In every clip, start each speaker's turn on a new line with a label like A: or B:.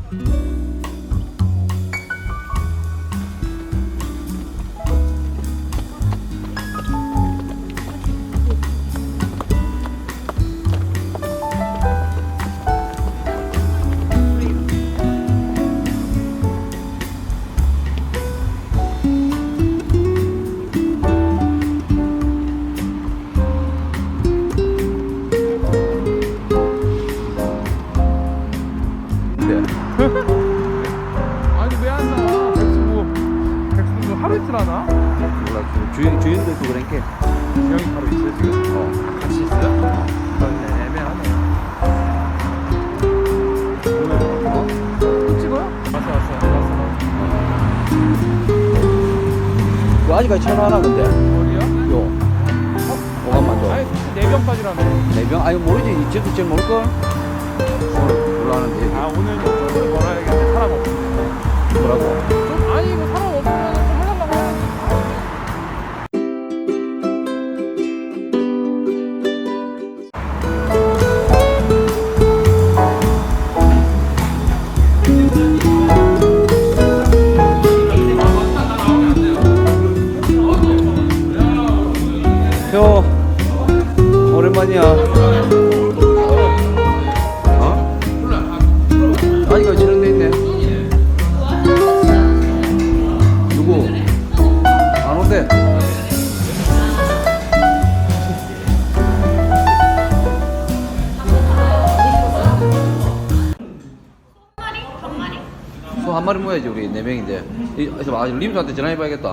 A: 아니 왜 안 나와? 백승구 하루 이틀 하나?
B: 몰라. 주인도 있고 그러니까.
A: 형이 바로 있어요 지금? 같이 있어요? 그렇네 애매하네. 또 찍어요? 왔어.
B: 그 아직까지 전화하나 근데.
A: 어디야?
B: 요. 오감만 줘.
A: 아니 4병까지라며.
B: 네 명? 아니 모르지. 쟤도 제일 모를걸? 몰라하는데.
A: 아 오늘 좀 소리 걸어야겠네. 사람 없는데.
B: 뭐라고?
A: 좀 아니 이거 사람 없으면 좀 하려고 해야지.
B: 형 오랜만이야. 어? 아직까지 진행돼 있네. 누구? 안 온대. 소 한 마리 모야지 우리 4명인데. 그래서 림수한테 전화해봐야겠다.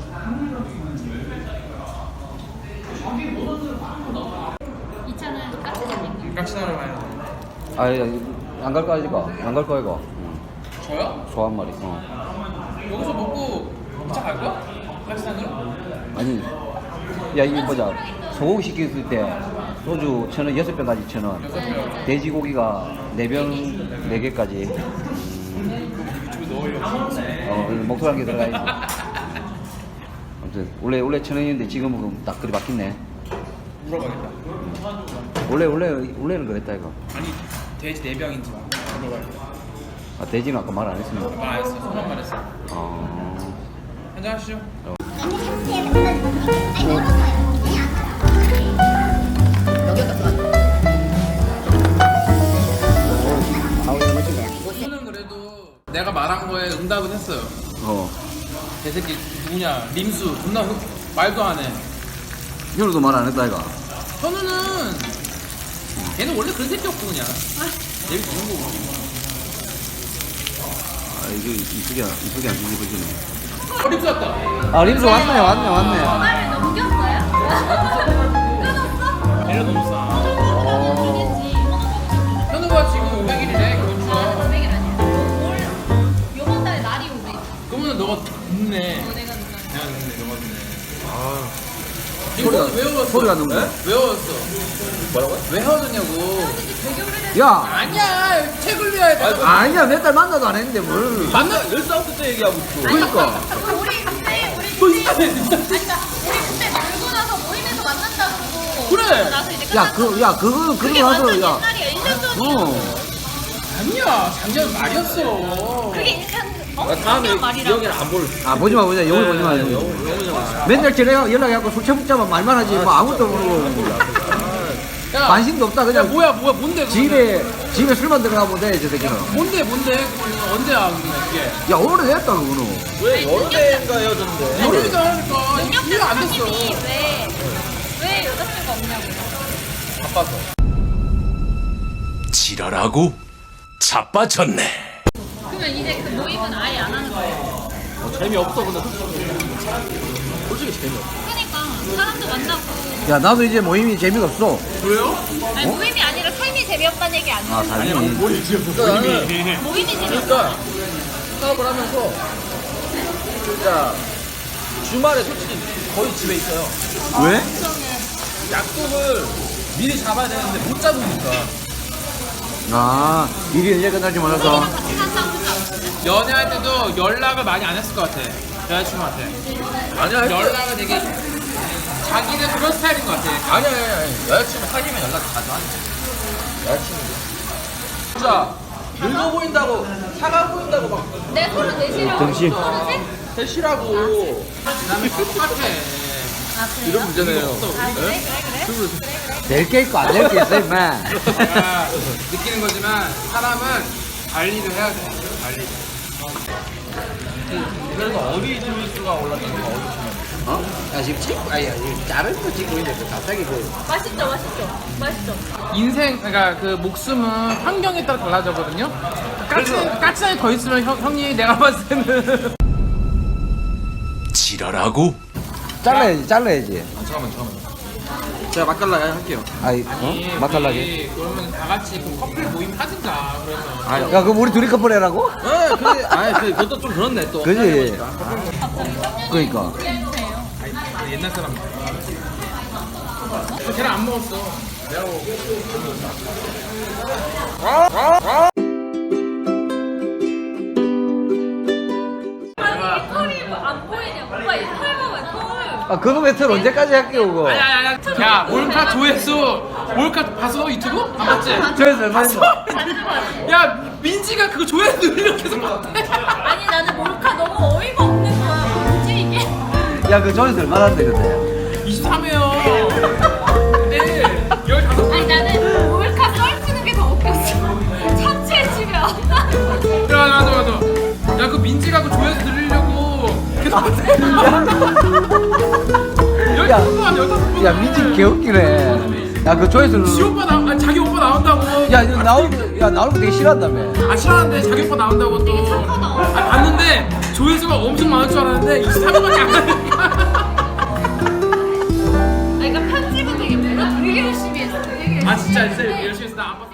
A: 깍시나러 가야 돼.
B: 아니 안 갈 거야 이거. 안 갈 거야 이거.
A: 저요?
B: 소 한 마리.
A: 여기서 먹고 2차 갈 거야? 깍시나러?
B: 아니 야 이거 보자. 소고기 시켰을 때 소주 1,000원 6병까지 1,000원. 돼지고기가 4병 4개까지.
A: 유튜브 넣으려고.
B: 목소리 한 개 들어가야지. 아무튼 원래 1,000원이었는데 지금은 그럼 딱 그리 바뀌네.
A: 물어봐야겠다.
B: 원래는 그랬다 이거.
A: 아니 돼지 4병인지 물어봐야겠다.
B: 아 돼지는 아까 말 안 했습니다.
A: 말 안 했어. 소만 말했어. 한잔 하시죠. 저는 그래도 내가 말한 거에 응답은 했어요. 개새끼 누구냐 림수 존나 말도 안 해.
B: 현우도 말 안 했다 이거.
A: 현우는 걔는 원래 그런 새끼였고 그냥 얘 좋은 거고.
B: 아 이거 이쁘게 안 뒤집어지네.
A: 림수 왔다.
B: 아 림수 왔네.
C: 전화를 넘겼어요? 끊었어?
A: 내려놓았어. 현우가 지금 500일이래 견주가.
C: 500일 아니야. 요번 달 날이 500일.
A: 그러면 너가 늦네.
C: 내가
A: 내가 늦네. 너가 늦네.
B: 소리가-
A: 외웠어.
B: 소리가 너무
A: 네? 외웠어. 뭐라고요? 왜 헤어졌냐고.
C: 되게 오래됐어.
B: 야
A: 아니야 책을 외워야 돼.
B: 아니야 몇 달 만나도 안 했는데 뭘.
A: 만나 14살 때 얘기하고 있어.
B: 그러니까.
C: 우리 그때
A: 또 있다네 진짜.
C: 아니 그러니까 우리 그때 놀고 나서 모임에서 만난다고.
A: 그래.
C: 나서 이제
B: 야
C: 끝났어.
B: 그거
C: 그게
B: 나서
C: 완전
B: 야.
C: 옛날이야. 1년 전이야.
A: 아니야 작년 말이었어.
C: 그게 한
A: 다음에
C: 작년 말이라고.
A: 기억이 안 볼.
B: 아 보지 마 영을 보지 마. 맨날 전에 연락해갖고 술 처먹자면 말만 하지 뭐 아무것도 모르고
A: 야,
B: 관심도 없다
A: 야
B: 그냥
A: 뭐야 뭔데 그거는?
B: 집에 술만 들어가면 돼 저 새끼는.
A: 뭔데 그거는 언제야 그게?
B: 야 오래됐다 그거는.
D: 왜 여러 대인가 헤어졌는데?
A: 모르니까 하니까
C: 6년
A: 1년 안 됐어.
C: 사장님이 왜 여자친구가 없냐고요.
D: 바빠서.
E: 지랄하고 자빠졌네.
C: 그러면 이제 그 모임은 아예 안 하는 거예요.
D: 재미없어 근데 솔직히 재미없어.
C: 그러니까 사람도 만나고.
B: 야 나도 이제 모임이 재미가 없어.
A: 왜요?
C: 아니 모임이 아니라 삶이 재미없다는 얘기 아니에요.
B: 아 삶이.
C: 모임이 재미없다.
D: 그러니까 사업을 하면서 진짜 주말에 솔직히 거의 집에 있어요.
B: 왜?
D: 약속을 미리 잡아야 되는데 못 잡으니까.
B: 아 일이 언제 끝날지 몰라서.
C: 같이 산다고 하지 않았어요?
A: 연애할 때도 연락을 많이 안 했을 것 같아. 여자친구한테.
D: 아니야
A: 연락을 되게 자기는 그런 스타일인 것 같아.
D: 아니야 여자친구 사귀면 연락 자주 하지. 여자친구.
A: 진짜
D: 늙어 보인다고 차가워 보인다고 막
C: 내 34시라고.
B: 등심.
C: 33?
D: 대시라고
A: 지난해 똑같아.
C: 아, 그래요?
D: 이런 문제네요.
C: 아, 그래?
B: 될 게 있고 안 될 게 있어 임마.
A: 내가 느끼는 거지만 사람은 관리를 해야 돼. 관리.
D: 그래서 어디 조회수가 올랐다는 거 어디 보면
B: 어? 야 지금 찍고 아니 자를 거 찍고 있는데 갑자기 그
C: 맛있죠, 맛있죠. 맛있죠.
A: 인생 그러니까 그 목숨은 환경에 따라 달라져거든요. 까치산이 더 있으면 형님 내가 봤을 때는
E: 지랄하고
B: 잘라야지.
D: 잠깐만 제가 맛깔나게 할게요.
B: 아이
A: 아니,
B: 맛깔나게.
A: 우리 그러면 다 같이 그 커플 모임 하든가 그래서.
B: 야 그럼 우리 둘이 커플 해라고?
D: 네, 근데 그것도 좀 그렇네 또.
B: 그지?
C: 갑자기
B: 그러니까.
C: 해주세요.
A: 아니, 옛날 사람. 걔랑 안 먹었어. 내가 먹었어.
C: 아니, 털이 안 보이냐? 오빠 이 털 봐봐, 털.
B: 아 그거 배틀 언제까지 할게요 그거?
A: 야, 몰카 조회수. 몰카 봤어? 유튜브? 안 봤지?
B: 저에서 얼마 했어?
A: 야, 민지가 그거 조회수 늘리려고 계속 봤대.
C: 아니, 나는 몰카 너무 어이가 없는 거야. 뭐지, 이게?
B: 야 그 저에서 얼마 한대 근데?
A: 23회요. 근데 15번.
C: 아니, 나는 몰카 썰치는 게 더 웃겼어. 참치에 치면.
A: 맞아. 야, 그 민지가 그 조회수 늘리려고 계속 봤대. 15번.
B: 야 민지 개웃기네. 야 그 조회수는
A: 지 오빠 아니, 자기 오빠 나온다고.
B: 야 이거 나오는 거 되게 싫어한다며.
A: 아 싫어하는데 자기 오빠 나온다고 또. 아 봤는데 조회수가 엄청 많을 줄 알았는데 23번밖에 안 되니까.
C: 아니, 그러니까 편집은 되게 되게 열심히 했어. 되게 열심히
A: 아 진짜
C: 했는데
A: 열심히 했어. 나안 봤어.